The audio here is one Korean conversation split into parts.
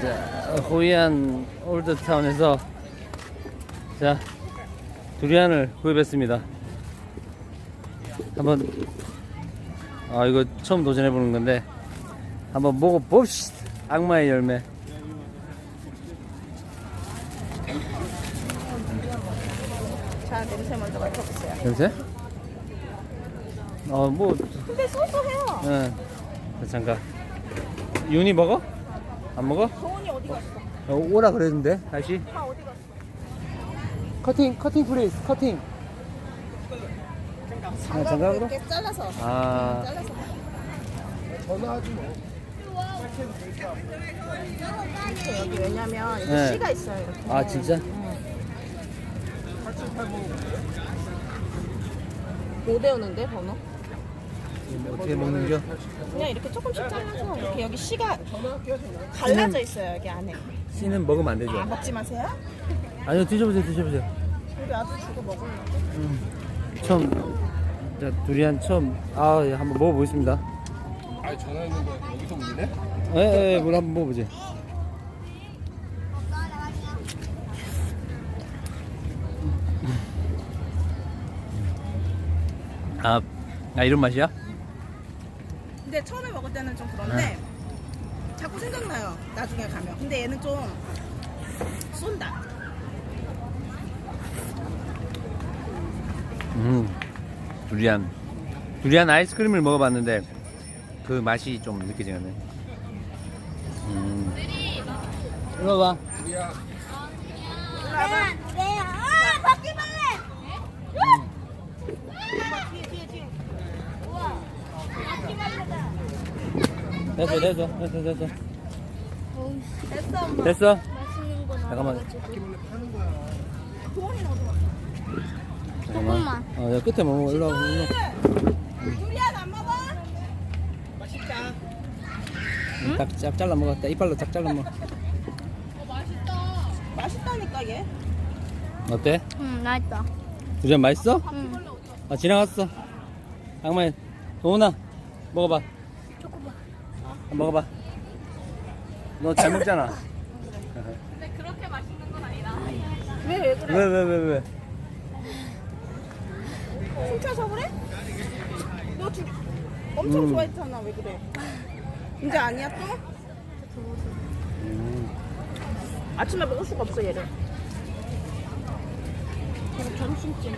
자, 호이안 올드타운에서 자 두리안을 구입했습니다. 한번 이거 처음 도전해보는 건데 한번 먹어봅시다. 악마의 열매. 자, 냄새 먼저 맡아보세요. 냄새? 뭐 근데 소소해요. 응. 잠깐. 윤이 먹어? 안 먹어? 정원이 어디 갔어? 오라 그랬는데 다시. 다 어디 갔어? 커팅 플리즈 커팅. 장갑으로? 이렇게 잘라서. 잘라서. 전화하지 뭐. 여기 왜냐면 이렇게 네. 씨가 있어요. 이렇게. 아 진짜? 못 외우는데 번호? 어떻게 먹는겨? 그냥 이렇게 조금씩 잘라서 이렇게 여기 씨가 갈라져 있어요. 여기 안에. 씨는 먹으면 안 되죠? 먹지 마세요. 아니요, 드셔보세요. 우리 아들 주고 먹으려고. 처음 자 두리안 처음 예, 한번 먹어보겠습니다. 아 전화했는 거 여기서 울리네? 예, 물 한번 먹어보지. 이런 맛이야? 근데 처음에 먹을 때는 좀 그런데 자꾸 생각나요. 나중에 가면. 근데 얘는 좀 쏜다. 두리안 아이스크림을 먹어봤는데 그 맛이 좀 느껴지네. 이거 봐. 바퀴벌레! 됐어. 맛있는 거 잠깐만. 도원이는 어디 갔어? 잠깐만. 야, 끝에 먹어. 일로 와. 두리안 안 먹어? 맛있다. 딱 잘라 먹었다. 이빨로 딱 잘라 먹어. 맛있다니까 얘. 어때? 응, 맛있다. 두리안 맛있어? 응. 지나갔어. 악마야. 도훈아, 먹어봐. 초코바. 먹어봐. 너 잘 먹잖아. 왜 그래? 왜? 훔쳐서 그래? 너 엄청 좋아했잖아. 왜 그래? 이제 아니야 또? 아침에 먹을 수가 없어 얘를. 그럼 점심쯤.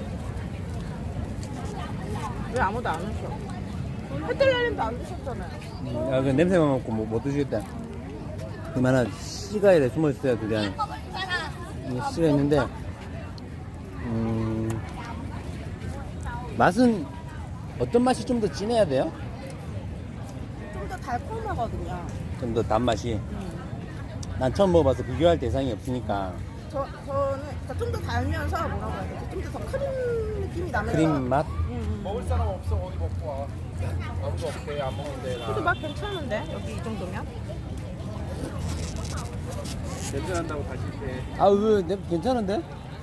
왜 아무도 안 오셔? 해뜰날님도 안 드셨잖아요. 그 냄새만 맡고 못 드시겠다. 그만한 씨가 이래 숨어 있어야 두리안. 씨가 있는데, 맛은 어떤 맛이 좀 더 진해야 돼요? 좀 더 달콤하거든요. 좀 더 단맛이. 난 처음 먹어봐서 비교할 대상이 없으니까. 저는 좀 더 달면서 뭐라고 해야 되지? 좀 더 크림 느낌이 나면서. 크림 맛? 먹을 사람 없어 어디 먹고 와. 아무도 없대 안 먹는데 나. 근데 맛 괜찮은데 여기 이 정도면? 냄새 난다고 다실 때. 왜 괜찮은데?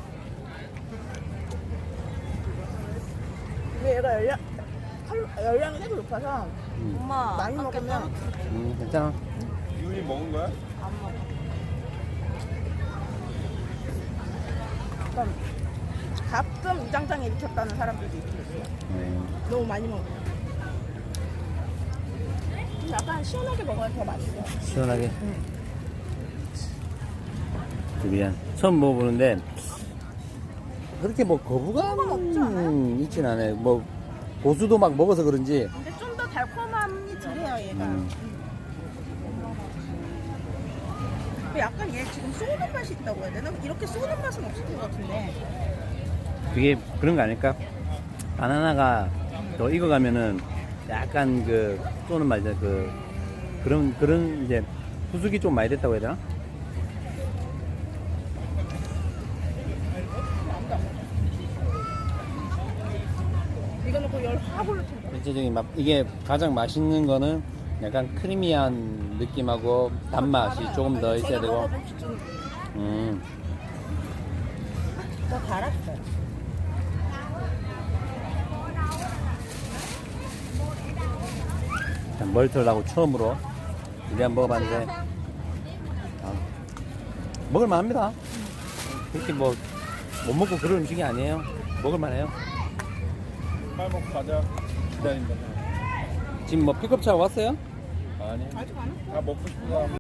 근데 얘가 열량이 되게 높아서 엄마. 많이 먹으면 괜찮아. 이윤이 먹은 거야? 안 먹어. 그럼 가끔 위장장애 일으켰다는 사람들도 있어요. 너무 많이 먹으면. 약간 시원하게 먹어야 더 맛있어. 시원하게. 두리안 처음 먹어보는데 그렇게 뭐 거부감 있진 않아요. 뭐 고수도 막 먹어서 그런지. 근데 좀 더 달콤함이 덜해요 얘가. 근데 약간 얘 지금 쏘는 맛이 있다고 해야 되나? 이렇게 쏘는 맛은 없을 것 같은데. 그게 그런 거 아닐까? 바나나가 더 익어가면은 약간 그 쏘는 맛이야. 그런 이제 후숙이 좀 많이 됐다고 해야 되나? 이거는 그 열 확 올릴 텐데. 전체적인 맛. 이게 가장 맛있는 거는 약간 크리미한 느낌하고 단맛이 조금 더 있어야 되고. 더 달았어요. 멀털하고 처음으로 두리안 먹어봤는데 먹을만합니다. 그렇게 뭐 못 먹고 그런 음식이 아니에요. 먹을만해요. 빨리 먹고 가자. 기다린다. 지금 뭐 픽업차 왔어요? 아니. 아직 안 왔어. 다 먹고 싶은 사람.